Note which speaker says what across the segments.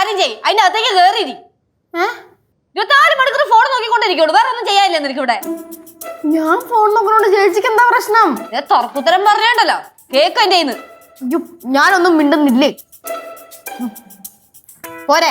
Speaker 1: കാര്യം ചെയ്യ്, അതിന്റെ അകത്തേക്ക് കേറിയിരി. 24 മണിക്കൂർ ഫോൺ നോക്കിക്കൊണ്ടിരിക്കുള്ളൂ, വേറെ ഒന്നും ചെയ്യാനില്ല നിനക്ക് ഇവിടെ.
Speaker 2: ഞാൻ ഫോൺ നോക്കണോണ്ട് ചേച്ചിക്ക് എന്താ പ്രശ്നം?
Speaker 1: തുറക്കുത്തരം പറഞ്ഞോണ്ടല്ലോ കേക്ക് എന്റെ കയ്യിന്ന്.
Speaker 2: ഞാനൊന്നും മിണ്ടുന്നില്ലേ. പോരെ.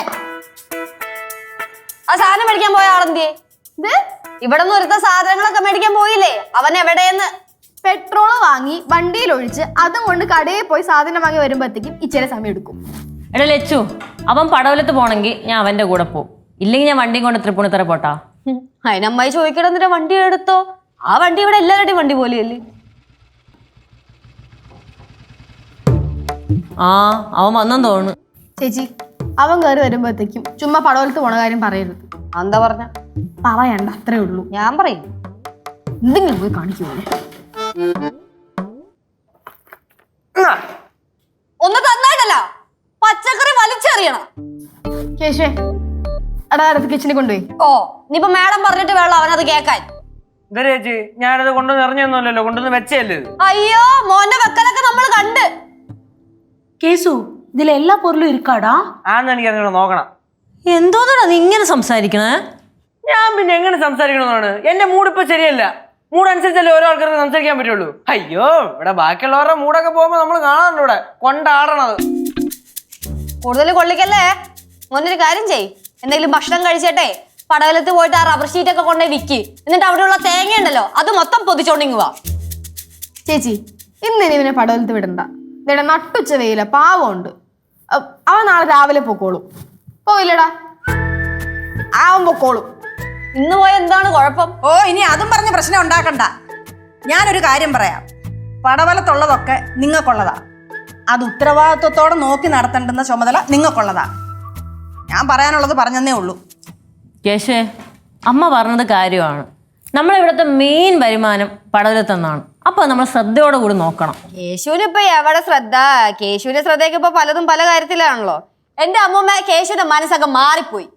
Speaker 1: ആ സാധനം മേടിക്കാൻ പോയ ആളെന്തിയെ? ഇവിടെ നിന്ന് ഒരുത്ത സാധനങ്ങളൊക്കെ മേടിക്കാൻ പോയില്ലേ, അവൻ എവിടെയെന്ന്?
Speaker 2: പെട്രോള് വാങ്ങി വണ്ടിയിൽ ഒഴിച്ച് അതും കൊണ്ട് കടയിൽ പോയി സാധനം വാങ്ങി വരുമ്പോഴത്തേക്കും ഇച്ചിരി സമയം എടുക്കും.
Speaker 3: എടാ ലച്ചു, അവൻ പടവലത്ത് പോണെങ്കിൽ ഞാൻ അവന്റെ കൂടെ പോകും, ഇല്ലെങ്കിൽ ഞാൻ വണ്ടിയും കൊണ്ട് തൃപ്പൂണിത്തറ പോട്ടാ.
Speaker 1: അതിനമ്മായി ചോദിക്കണം എന്നിട്ട് വണ്ടി എടുത്തോ? ആ വണ്ടി ഇവിടെ എല്ലാവരുടെയും വണ്ടി പോലെയല്ലേ?
Speaker 3: ആ അവൻ വന്നെന്ന് തോന്നുന്നു.
Speaker 2: ചേച്ചി, അവൻ കയറി വരുമ്പോഴത്തേക്കും ചുമ്മാ പടവലത്ത് പോണ കാര്യം പറയരുത്.
Speaker 1: എന്താ പറഞ്ഞ?
Speaker 2: പറയണ്ട, അത്രേ ഉള്ളൂ.
Speaker 1: ഞാൻ പറയും,
Speaker 2: എന്തെങ്കിലും പോയി കാണിക്കൂലേ.
Speaker 1: ഒന്ന് തന്നായിട്ടല്ല, പച്ചക്കറി വലിച്ചെറിയണം.
Speaker 2: കേശേ, എടാ അടുത്ത് കിച്ചണിൽ കൊണ്ടുപോയി.
Speaker 1: ഓ, ഇനിയിപ്പോ മേഡം പറഞ്ഞിട്ട് വേണം അവനത് കേക്കാൻ.
Speaker 4: ചേച്ചി, ഞാനത് കൊണ്ടുവന്ന് ഇറങ്ങിയൊന്നുമല്ലോ, കൊണ്ടുവന്ന് വെച്ചല്ലേ.
Speaker 1: അയ്യോ, മോന്റെ വെക്കലൊക്കെ നമ്മൾ കണ്ട്.
Speaker 5: കേസു, ഇതിൽ എല്ലാ പൊരുളും ഇരിക്കാടാ?
Speaker 4: ആന്ന് എനിക്ക് അങ്ങനെ നോക്കണം.
Speaker 3: എന്തോന്നാ നീ ഇങ്ങനെ സംസാരിക്കണേ?
Speaker 4: ഞാൻ പിന്നെ എങ്ങനെ സംസാരിക്കണമെന്നാണ്? എന്റെ മൂഡ് ഇപ്പൊ ശരിയല്ല. മൂഡ് അനുസരിച്ചല്ലേ ഓരോ ആൾക്കാർക്ക് സംസാരിക്കാൻ പറ്റുള്ളൂ. അയ്യോ, ഇവിടെ ബാക്കിയുള്ളവരുടെ മൂടൊക്കെ പോകുമ്പോ നമ്മൾ കാണാറുണ്ട് ഇവിടെ കൊണ്ടാടണത്.
Speaker 1: കൂടുതൽ കൊള്ളിക്കല്ലേ. മോനൊരു കാര്യം ചെയ്, എന്തെങ്കിലും ഭക്ഷണം കഴിച്ചേട്ടെ പടവലത്ത് പോയിട്ട് ആ റബ്ബർ ഷീറ്റ് ഒക്കെ കൊണ്ടേ വിൽക്കി, എന്നിട്ട് അവിടെയുള്ള തേങ്ങ ഉണ്ടല്ലോ അത് മൊത്തം പൊതിച്ചോണ്ടിങ്ങ് വാ.
Speaker 2: ചേച്ചി, ഇന്ന് ഇവനെ പടവലത്ത് വിടണ്ട. ഇവിടെ നട്ടുച്ച വെയില, പാവമുണ്ട്. അവൻ നാളെ രാവിലെ പൊക്കോളും. പോയില്ലടാ, അവൻ പൊക്കോളും.
Speaker 1: ഇന്ന് പോയ എന്താണ് കുഴപ്പം?
Speaker 6: ഓ, ഇനി അതും പറഞ്ഞ പ്രശ്നം ഉണ്ടാക്കണ്ട. ഞാനൊരു കാര്യം പറയാം, പടവലത്തുള്ളതൊക്കെ നിങ്ങൾക്കുള്ളതാ. അത് ഉത്തരവാദിത്വത്തോടെ നോക്കി നടത്തേണ്ടുന്ന ചുമതല നിങ്ങൾക്കുള്ളതാ. ഞാൻ പറയാനുള്ളത് പറഞ്ഞതേ ഉള്ളൂ.
Speaker 3: കേശേ, അമ്മ പറഞ്ഞത് കാര്യമാണ്. നമ്മളിവിടുത്തെ മെയിൻ വരുമാനം പടവലത്തെന്നാണ്. അപ്പൊ നമ്മൾ ശ്രദ്ധയോടെ കൂടി നോക്കണം.
Speaker 1: കേശുവിന് ഇപ്പൊ എവിടെ ശ്രദ്ധ? കേശുവിന്റെ ശ്രദ്ധയൊക്കെ ഇപ്പൊ പലതും പല കാര്യത്തിലാണല്ലോ. എന്റെ അമ്മൂമ്മ കേശുവിന്റെ മനസ്സൊക്കെ മാറിപ്പോയി.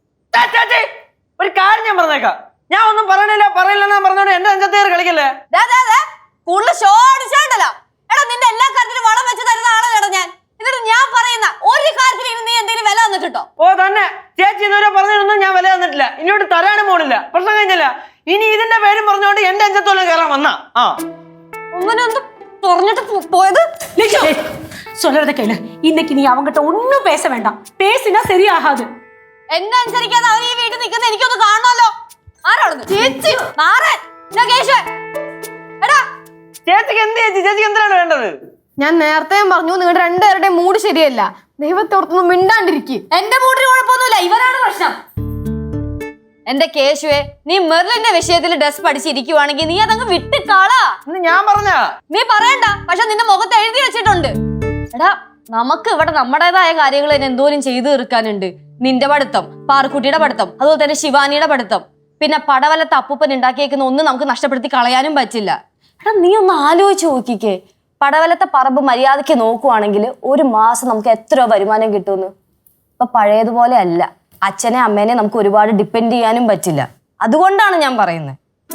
Speaker 4: ഒരു കാര്യം ഞാൻ പറഞ്ഞേക്കാം, ഞാൻ ഒന്നും പറയില്ലെന്നാ പറഞ്ഞോണ്ട് എന്റെ അഞ്ചത്തേറ് കളിക്കല്ലേ.
Speaker 1: കൂടുതൽ ഷോ അടിച്ചാണ്ടല്ലോ. എടാ, നിന്റെ എല്ലാ കാര്യത്തിലും വളം വെച്ച് തരുന്ന ആളല്ലേടാ ഞാൻ. എന്നിട്ട് ഞാൻ പറയുന്ന ഒരു കാര്യത്തിൽ നീ എന്തെങ്കിലും വില തന്നിട്ടോ?
Speaker 4: ഓ തന്നെ, ചേച്ചി ഇതുവരെ പറഞ്ഞൊന്നും ഞാൻ വില തന്നിട്ടില്ല, ഇനിയോട്ട് തരാനും പോണില്ല. പ്രശ്നം കഴിഞ്ഞില്ല. ഇനി ഇതിന്റെ പേരും പറഞ്ഞോണ്ട് എന്റെ അഞ്ചത്തോളം കയറാൻ വന്നാ
Speaker 1: അങ്ങനെ ഒന്ന് പറഞ്ഞിട്ട് പോയത്.
Speaker 5: சொல்றத கேளு. இன்னைக்கு நீ அவங்கிட்ட ஒன்னும் பேச வேண்டாம். பேசினா சரியாகாது.
Speaker 1: എന്നെ അനുസരിക്കാതെ അവൻ ഈ വീട്ടിൽ നിൽക്കുന്ന എനിക്കൊന്ന് കാണണമല്ലോ. ആരാണെന്ന്? ചേച്ചി നാരൻ. എടാ,
Speaker 4: ചേച്ചിക്ക് എന്ത് ചേച്ചി? ചേച്ചിക്ക് എന്തിനാണ് വേണ്ടത്?
Speaker 2: ഞാൻ നേരത്തെ പറഞ്ഞു നിങ്ങളുടെ രണ്ടുപേരുടെയും മൂഡ് ശരിയല്ല. ദൈവത്തെ ഓർത്തൊന്നും മിണ്ടാണ്ടിരിക്കും.
Speaker 1: എന്റെ മൂടിന് കുഴപ്പമൊന്നുമില്ല, ഇവരാണ് പ്രശ്നം. എന്റെ കേശുവെ, നീ മെർലിന്റെ വിഷയത്തിൽ ഡ്രസ് പഠിച്ചിരിക്കുവാണെങ്കിൽ നീ അതങ്ങ് വിട്ടുകാളാ.
Speaker 4: ഞാൻ പറഞ്ഞ
Speaker 1: നീ പറയണ്ട, പക്ഷെ നിന്റെ മുഖത്ത് എഴുതി വെച്ചിട്ടുണ്ട്. എടാ, നമുക്ക് ഇവിടെ നമ്മുടേതായ കാര്യങ്ങൾ തന്നെ എന്തോരം ചെയ്തു തീർക്കാനുണ്ട്. നിന്റെ പഠിത്തം, പാർക്കുട്ടിയുടെ പഠിത്തം, അതുപോലെ തന്നെ ശിവാനിയുടെ പഠിത്തം, പിന്നെ പടവലത്ത് അപ്പൂപ്പൻ ഉണ്ടാക്കിയേക്കുന്ന ഒന്നും നമുക്ക് നഷ്ടപ്പെടുത്തി കളയാനും പറ്റില്ല. എടാ, നീ ഒന്ന് ആലോചിച്ച് നോക്കിക്കേ, പടവലത്തെ പറമ്പ് മര്യാദയ്ക്ക് നോക്കുവാണെങ്കിൽ ഒരു മാസം നമുക്ക് എത്ര വരുമാനം കിട്ടുമെന്ന്. ഇപ്പൊ പഴയതുപോലെ അല്ല. അച്ഛനെ അമ്മേനെ നമുക്ക് ഒരുപാട് ഡിപ്പെൻഡ് ചെയ്യാനും പറ്റില്ല. അതുകൊണ്ടാണ് ഞാൻ പറയുന്നത്.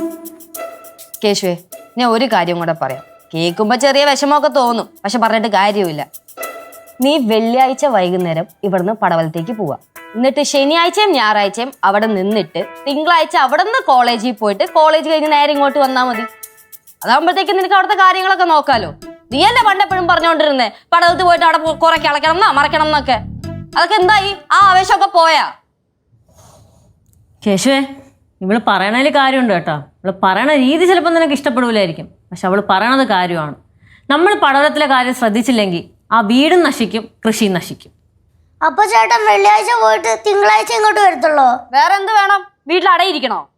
Speaker 1: കേശുവേ, ഞാൻ ഒരു കാര്യം കൂടെ പറയാം. കേൾക്കുമ്പോൾ ചെറിയ വിഷമമൊക്കെ തോന്നും, പക്ഷെ പറഞ്ഞിട്ട് കാര്യമില്ല. നീ വെള്ളിയാഴ്ച വൈകുന്നേരം ഇവിടുന്ന് പടവലത്തേക്ക് പോവാ. എന്നിട്ട് ശനിയാഴ്ചയും ഞായറാഴ്ചയും അവിടെ നിന്നിട്ട് തിങ്കളാഴ്ച അവിടെ നിന്ന് കോളേജിൽ പോയിട്ട് കോളേജ് കഴിഞ്ഞ് നേരെ ഇങ്ങോട്ട് വന്നാൽ മതി. അതാകുമ്പോഴത്തേക്കും നിനക്ക് അവിടുത്തെ കാര്യങ്ങളൊക്കെ നോക്കാലോ. നീയല്ലേ പണ്ടെപ്പോഴും പറഞ്ഞുകൊണ്ടിരുന്നേ പടവലത്ത് പോയിട്ട് അവിടെ കുറെ കിളക്കണം എന്നാ മറക്കണം എന്നൊക്കെ. അതൊക്കെ എന്തായി? ആ ആവേശമൊക്കെ പോയാ?
Speaker 3: കേശുവേ, ഇവള് പറയണതിൽ കാര്യമുണ്ട് കേട്ടോ. ഇവള് പറയണ രീതി ചിലപ്പോൾ നിനക്ക് ഇഷ്ടപ്പെടില്ലായിരിക്കും, പക്ഷെ അവള് പറയണത് കാര്യമാണ്. നമ്മൾ പടവലത്തിലെ കാര്യം ശ്രദ്ധിച്ചില്ലെങ്കിൽ ആ വീടും നശിക്കും, കൃഷിയും നശിക്കും.
Speaker 7: അപ്പൊ ചേട്ടൻ വെള്ളിയാഴ്ച പോയിട്ട് തിങ്കളാഴ്ച ഇങ്ങോട്ട് വരത്തുള്ളോ?
Speaker 1: വേറെ എന്ത് വേണം? വീട്ടിൽ അടയിരിക്കണോ?